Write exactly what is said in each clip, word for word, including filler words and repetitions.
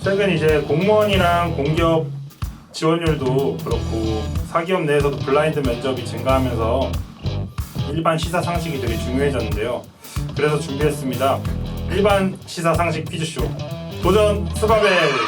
최근 이제 공무원이랑 공기업 지원율도 그렇고 사기업 내에서도 블라인드 면접이 증가하면서 일반 시사 상식이 되게 중요해졌는데요. 그래서 준비했습니다. 일반 시사 상식 퀴즈쇼 도전 스바벨.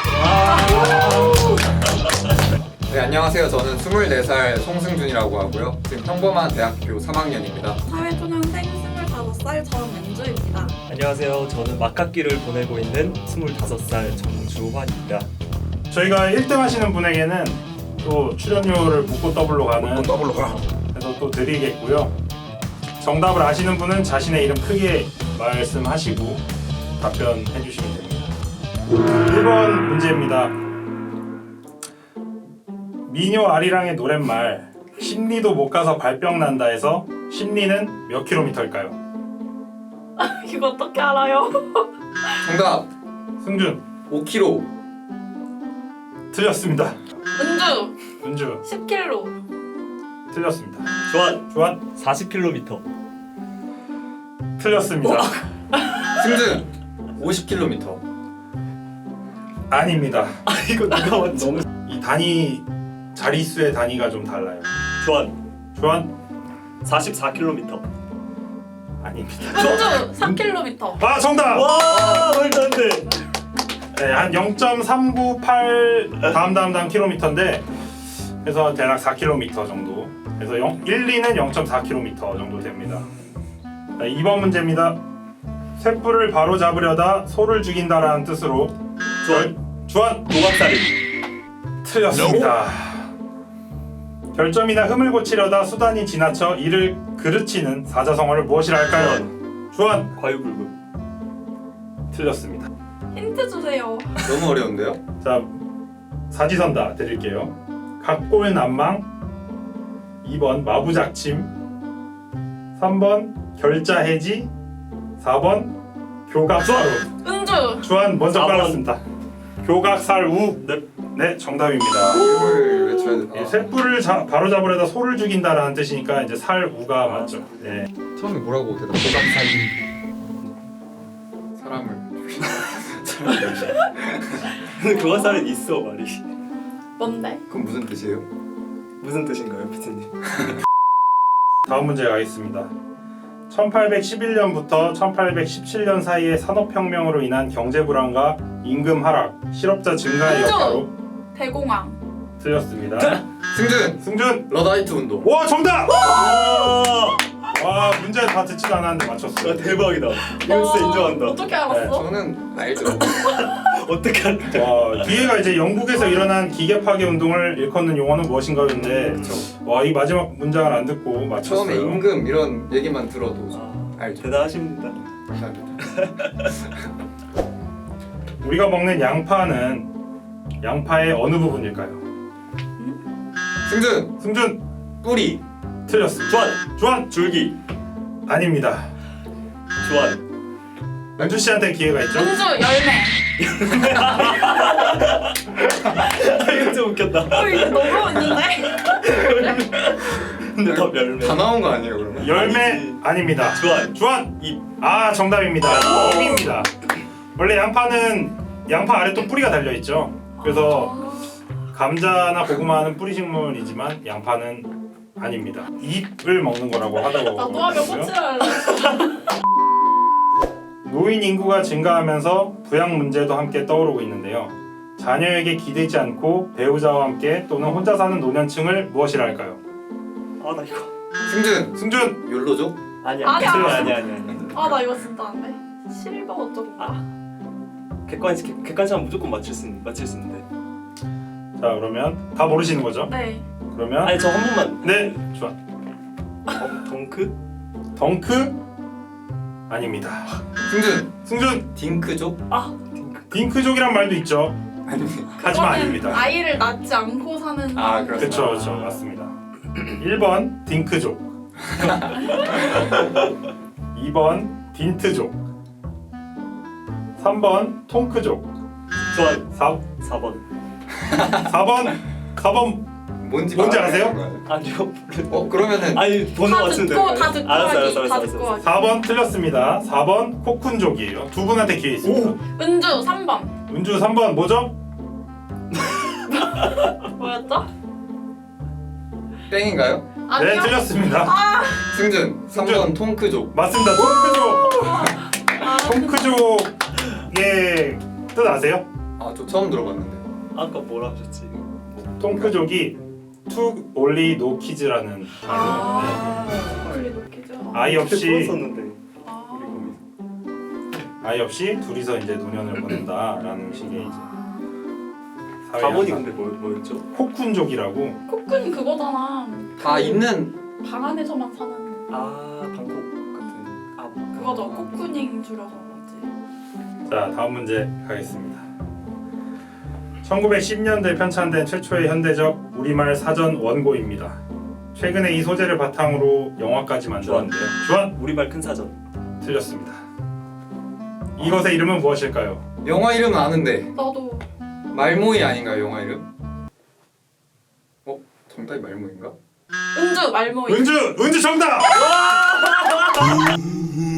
네, 안녕하세요. 저는 스물네 살 송승준이라고 하고요. 지금 평범한 대학교 삼 학년입니다. 사회초년생 스물다섯 살 전은주입니다. 안녕하세요. 저는 막학기를 보내고 있는 스물다섯 살 정주환입니다. 저희가 일 등 하시는 분에게는 또 출연료를 묻고 더블로 가는 더블로 가. 그래서 또 드리겠고요. 정답을 아시는 분은 자신의 이름 크게 말씀하시고 답변해 주시면 됩니다. 일 번 문제입니다. 미녀 아리랑의 노랫말 심리도 못 가서 발병 난다 해서 심리는 몇 킬로미터일까요? 이거 어떻게 알아요? 정답 승준 오 킬로미터. 틀렸습니다. 은주 은주 십 킬로미터. 틀렸습니다. 주환 주한 사십 킬로미터. 틀렸습니다. 승준 오십 킬로미터. 아닙니다. 아 이거 누가 맞지? 너무 이 단위 자릿수의 단위가 좀 달라요. 주환 주한 사십사 킬로미터. 아닙니다. 은주 삼 킬로미터. 아 정답! 와 말도 안 돼. 네, 한 영 점 삼구팔 다음 다음 다음 킬로미터인데 그래서 대략 사 킬로미터 정도. 그래서 영, 일, 이는 영 점 사 킬로미터 정도 됩니다. 자, 이 번 문제입니다. 쇳불을 바로 잡으려다 소를 죽인다라는 뜻으로 주환 주한 도박살인. 틀렸습니다. 결점이나 흠을 고치려다 수단이 지나쳐 이를 그르치는 사자성어를 무엇이라 할까요? 주한 과유불급. 틀렸습니다. 힌트 주세요. 너무 어려운데요? 자, 사지선다 드릴게요. 각골난망, 이 번 마부작침, 삼 번 결자해지, 사 번 교각사루. 은주 주한 먼저 사 번. 빨랐습니다. 교각살우. 네. 네, 정답입니다. 이걸 외쳐야 돼. 이 쇳불을 자, 바로 잡으려다 소를 죽인다라는 뜻이니까 이제 살우가 맞죠. 네. 처음에 뭐라고 대답? 도박살인. 사람을. 근데 도박살인 있어 말이. 뭔데? 그건 무슨 뜻이에요? 무슨 뜻인가요, 피트님? 다음 문제 가겠습니다. 천팔백십일 년부터 천팔백십칠 년 사이의 산업혁명으로 인한 경제 불안과 임금 하락, 실업자 증가의 은주! 여파로 대공황. 틀렸습니다. 승준 승준! 러다이트 운동. 와 정답! 와, 와 문제 다 듣지도 않았는데 맞췄어요. 와 대박이다. 이거 진짜 인정한다. 어떻게 알았어? 저는 알죠. 어떻게 할까? 와 뒤에가 이제 영국에서 일어난 기계 파괴 운동을 일컫는 용어는 무엇인가였는데 와 이 마지막 문장을 안 듣고 맞췄어요. 처음에 임금 이런 얘기만 들어도 아, 알죠. 대단하십니다. 감사합니다. 우리가 먹는 양파는 양파의 어느 부분일까요? 승준 승준 뿌리. 틀렸습니다. 주환 주한 줄기. 아닙니다. 주환 연주 씨한테 기회가 있죠? 은주 열매. 아, 이거 좀 웃겼다. 어 이거 너무 웃는데? 근데 더 열매. 다 나온 거 아니에요 그러면? 열매 아니지. 아닙니다. 주환 주한 잎. 아 정답입니다. 야. 잎입니다. 원래 양파는 양파 아래 또 뿌리가 달려 있죠. 그래서 감자나 고구마는 뿌리 식물이지만 양파는 아닙니다. 잎을 먹는 거라고 하더라고요. 나도 하면 꼬치를 노인 인구가 증가하면서 부양 문제도 함께 떠오르고 있는데요. 자녀에게 기대지 않고 배우자와 함께 또는 혼자 사는 노년층을 무엇이라 할까요? 아 나 이거. 승준 승준 욜로족. 아니야. 아니야. 아니야 아니야 아니야. 아니야. 아나 이거 진짜 안 돼. 실버 어쩌고가. 객관식 객- 객관식하면 무조건 맞출 수 있는 맞출 수 있는데. 자 그러면 다 모르시는 거죠? 네. 그러면 아니 저 한 번만. 네 좋아. 덩, 덩크? 덩크 아닙니다. 승준 승준 딩크족. 아 덩크. 딩크족이란 말도 있죠. 아닙니다. 하지만 그거는 아닙니다. 아이를 낳지 않고 사는. 아, 사람들. 그렇죠 그렇죠 맞습니다. 일 번 딩크족 이 번 딘트족 삼 번 통크족 주환 사, 사 번. 사 번 사 번 뭔지 뭔지 말아야 아세요? 되는 거 아니에요? 아니요. 어 그러면은 아니 번호 다 맞추면 듣고 되는 다 거야. 듣고 알았어 하기. 알았어 알았어 다 알았어. 듣고 하기. 사 번 틀렸습니다. 사 번 코쿤족이에요. 두 분한테 기회 있습니다. 은주 삼 번. 은주 삼 번 뭐죠? 뭐였죠? 땡인가요? 네, 아니요. 틀렸습니다. 승준 삼 번 통크족. 맞습니다. 통크족. 아, 통크족의 뜻 아세요? 아 저 처음 들어봤는데. 아까 뭐라 하셨지? 통크족이 took only no kids라는 아, 우리 놓기죠. 아이 없이 풀었었는데 아. 우리 거기서. 아이 없이 둘이서 이제 노년을 보낸다라는 식의 이제 사회 가문이 양상. 근데 뭐, 뭐였죠? 코쿤족이라고. 코쿤 그거잖아. 다 있는 방 안에서만 사는 아 방콕 같은. 아 그거죠. 코쿤잉 줄여서 그렇지. 자, 다음 문제 가겠습니다. 천구백십 년대 편찬된 최초의 현대적 우리말 사전 원고입니다. 최근에 이 소재를 바탕으로 영화까지 만들었는데요. 주한 우리말 큰 사전. 틀렸습니다. 이것의 이름은 무엇일까요? 영화 이름은 아는데 나도 말모이 아닌가요 영화 이름? 어? 정답이 말모인가? 은주 말모이. 은주! 은주 정답!